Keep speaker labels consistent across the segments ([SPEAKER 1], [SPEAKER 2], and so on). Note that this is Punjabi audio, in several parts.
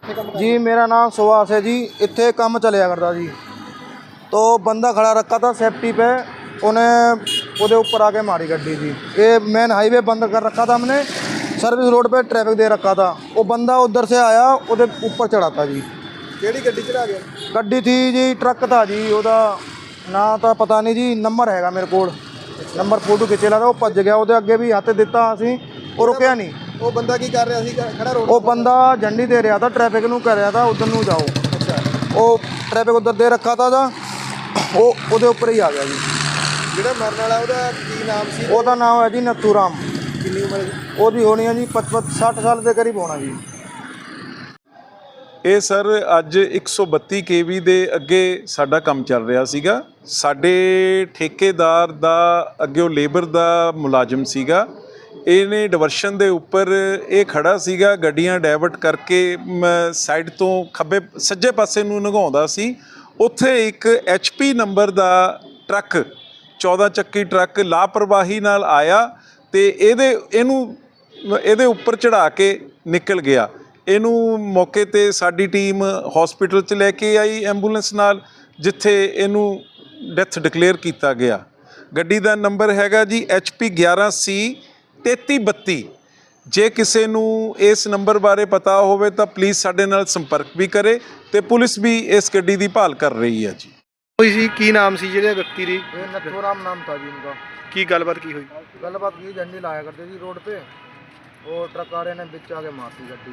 [SPEAKER 1] ਕਿੱਥੇ ਕੰਮ
[SPEAKER 2] जी मेरा नाम सुभाष है जी। इतने काम चलिया करता जी, तो बंदा खड़ा रखा था सेफ्टी पे, उन्हें वो ऊपर आके मारी गड्डी जी। ये मेन हाईवे बंद कर रखा था हमने, सर्विस रोड पे ट्रैफिक दे रखा था। वो बंदा उधर से आया, वो ऊपर चढ़ा था जी।
[SPEAKER 1] ਕਿਹੜੀ ਗੱਡੀ ਚੜਾ ਗਿਆ?
[SPEAKER 2] गड्डी थी जी, ट्रक था जी। ਉਹਦਾ ना तो पता नहीं जी, नंबर हैगा मेरे को, नंबर फोटो खिंचे ला था। वो भज गया, ਉਹਦੇ ਅੱਗੇ ਵੀ ਹੱਥ ਦਿੱਤਾ ਅਸੀਂ, ਉਹ ਰੁਕਿਆ ਨਹੀਂ।
[SPEAKER 1] ਉਹ ਬੰਦਾ ਕੀ ਕਰ ਰਿਹਾ ਸੀ ਖੜਾ ਰੋਡ?
[SPEAKER 2] ਉਹ ਬੰਦਾ ਝੰਡੀ ਦੇ ਰਿਹਾ था, ट्रैफिक ਨੂੰ ਕਹਿ ਰਿਹਾ था उधर ਨੂੰ जाओ।
[SPEAKER 1] ਅੱਛਾ,
[SPEAKER 2] ਉਹ ट्रैफिक उधर दे रखा था दा, ਉਹ ਉਹਦੇ ਉੱਪਰ ਹੀ ਆ ਗਿਆ ਜੀ।
[SPEAKER 1] ਜਿਹੜਾ ਮਰਨ ਵਾਲਾ ਉਹਦਾ ਕੀ ਨਾਮ ਸੀ?
[SPEAKER 2] ਉਹਦਾ ਨਾਮ ਹੈ ਜੀ ਨੱਥੂ ਰਾਮ।
[SPEAKER 1] ਕਿੰਨੀ ਉਮਰ ਹੈ?
[SPEAKER 2] ਉਹਦੀ ਹੋਣੀ ਹੈ ਜੀ 55-60 ਸਾਲ ਦੇ ਕਰੀਬ ਹੋਣਾ ਜੀ।
[SPEAKER 3] ਇਹ ਸਰ ਅੱਜ 132 ਕੇਵੀ ਦੇ ਅੱਗੇ ਸਾਡਾ ਕੰਮ ਚੱਲ ਰਿਹਾ ਸੀਗਾ। ਸਾਡੇ ਠੇਕੇਦਾਰ ਦਾ ਅੱਗੇ ਉਹ ਲੇਬਰ ਦਾ ਮੁਲਾਜ਼ਮ ਸੀਗਾ। ਇਹਨੇ ਡਿਵਰਸ਼ਨ ਦੇ ਉੱਪਰ ਇਹ ਖੜਾ ਸੀਗਾ, ਗੱਡੀਆਂ ਡਾਇਵਰਟ ਕਰਕੇ ਸਾਈਡ ਤੋਂ ਖੱਬੇ ਸੱਜੇ ਪਾਸੇ ਨੂੰ ਲੰਘਾਉਂਦਾ ਸੀ। ਉੱਥੇ ਇੱਕ HP ਨੰਬਰ ਦਾ ਟਰੱਕ, 14 ਚੱਕੀ ਟਰੱਕ ਲਾਪਰਵਾਹੀ ਨਾਲ ਆਇਆ ਤੇ ਇਹਦੇ ਉੱਪਰ ਚੜ੍ਹਾ ਕੇ ਨਿਕਲ ਗਿਆ। ਇਹਨੂੰ ਮੌਕੇ 'ਤੇ ਸਾਡੀ ਟੀਮ ਹਸਪੀਟਲ 'ਚ ਲੈ ਕੇ ਆਈ ਐਂਬੂਲੈਂਸ ਨਾਲ, ਜਿੱਥੇ ਇਹਨੂੰ ਡੈਥ ਡਿਕਲੇਅਰ ਕੀਤਾ ਗਿਆ। ਗੱਡੀ ਦਾ ਨੰਬਰ ਹੈਗਾ ਜੀ HP 11C 3332। ਜੇ ਕਿਸੇ ਨੂੰ ਇਸ ਨੰਬਰ ਬਾਰੇ ਪਤਾ ਹੋਵੇ ਤਾਂ ਪਲੀਜ਼ ਸਾਡੇ ਨਾਲ ਸੰਪਰਕ ਵੀ ਕਰੇ, ਤੇ ਪੁਲਿਸ ਵੀ ਇਸ ਗੱਡੀ ਦੀ ਭਾਲ ਕਰ ਰਹੀ ਹੈ ਜੀ।
[SPEAKER 1] ਹੋਈ ਸੀ ਕੀ ਨਾਮ ਸੀ ਜਿਹੜੇ ਵਿਅਕਤੀ ਦੀ?
[SPEAKER 2] ये नथू राम नाम था जी उनका।
[SPEAKER 1] ਕੀ ਗੱਲਬਾਤ ਕੀ ਹੋਈ?
[SPEAKER 2] गलबात की झंडी लाया करते जी रोड पे, वो ट्रक वाले ने बिच आके मारती गड्डी।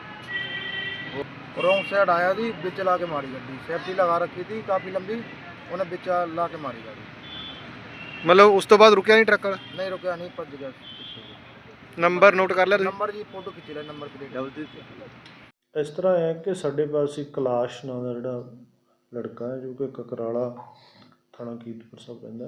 [SPEAKER 2] रॉन्ग साइड आया जी, बिच ला के मारी गड्डी। सेफ्टी लगा रखी थी काफ़ी लंबी, उन्हें बिच ला के मारी गाड़ी।
[SPEAKER 1] ਮਤਲਬ ਉਸ ਤੋਂ ਬਾਅਦ ਰੁਕਿਆ ਨਹੀਂ ਟਰੱਕ ਵਾਲਾ?
[SPEAKER 2] नहीं रुकया, नहीं भज गया।
[SPEAKER 1] ਨੰਬਰ ਨੋਟ ਕਰ ਲਿਆ ਤੁਸੀਂ?
[SPEAKER 2] नंबर जी फोटो खिंच लिया, नंबर प्लेट।
[SPEAKER 4] ਇਸ ਤਰ੍ਹਾਂ ਹੈ ਕਿ ਸਾਡੇ ਪਾਸ ਇੱਕ ਕੈਲਾਸ਼ ਨਾਂ ਦਾ ਜਿਹੜਾ ਲੜਕਾ ਹੈ, ਜੋ ਕਿ ਕਕਰਾਲਾ ਥਾਣਾ ਕੀਰਤਪੁਰ ਸਾਹਿਬ ਪੈਂਦਾ,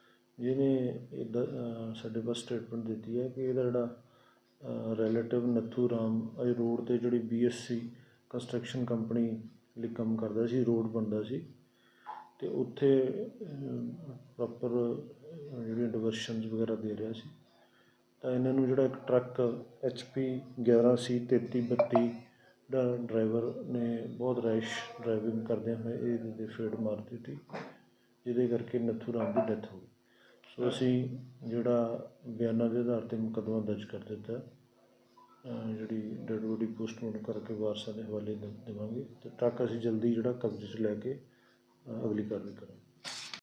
[SPEAKER 4] ਜਿਹਨੇ ਸਾਡੇ ਪਾਸ ਸਟੇਟਮੈਂਟ ਦਿੱਤੀ ਹੈ ਕਿ ਇਹਦਾ ਜਿਹੜਾ ਰਿਲੇਟਿਵ ਨੱਥੂ ਰਾਮ ਇਹ ਰੋਡ 'ਤੇ ਜਿਹੜੀ BSC ਕੰਸਟਰਕਸ਼ਨ ਕੰਪਨੀ ਲਈ ਕੰਮ ਕਰਦਾ ਸੀ, ਰੋਡ ਬਣਦਾ ਸੀ, ਅਤੇ ਉੱਥੇ ਪ੍ਰੋਪਰ ਜਿਹੜੀਆਂ ਡਿਵਰਸ਼ਨਸ ਵਗੈਰਾ ਦੇ ਰਿਹਾ ਸੀ। ਤਾਂ ਇਹਨਾਂ ਨੂੰ ਜਿਹੜਾ ਇੱਕ ਟਰੱਕ HP 11C 3332 ਦਾ ਡਰਾਈਵਰ ਨੇ ਬਹੁਤ ਰੈਸ਼ ਡਰਾਈਵਿੰਗ ਕਰਦਿਆਂ ਹੋਏ ਇਹਦੇ 'ਤੇ ਫੇਟ ਮਾਰ ਦਿੱਤੀ, ਜਿਹਦੇ ਕਰਕੇ ਨੱਥੂ ਰਾਮ ਦੀ ਡੈਥ ਹੋ ਗਈ। ਸੋ ਅਸੀਂ ਜਿਹੜਾ ਬਿਆਨਾਂ ਦੇ ਆਧਾਰ 'ਤੇ ਮੁਕੱਦਮਾ ਦਰਜ ਕਰ ਦਿੱਤਾ, ਜਿਹੜੀ ਡੈਡ ਬੋਡੀ ਪੋਸਟਮਾਰਟਮ ਕਰਕੇ ਵਾਰਸਾਂ ਦੇ ਹਵਾਲੇ ਦੇਵਾਂਗੇ, ਅਤੇ ਟਰੱਕ ਅਸੀਂ ਜਲਦੀ ਜਿਹੜਾ ਕਬਜ਼ੇ 'ਚ ਲੈ ਕੇ ਅਗਲੀ ਕਾਰਵਾਈ ਕਰਾਂਗੇ।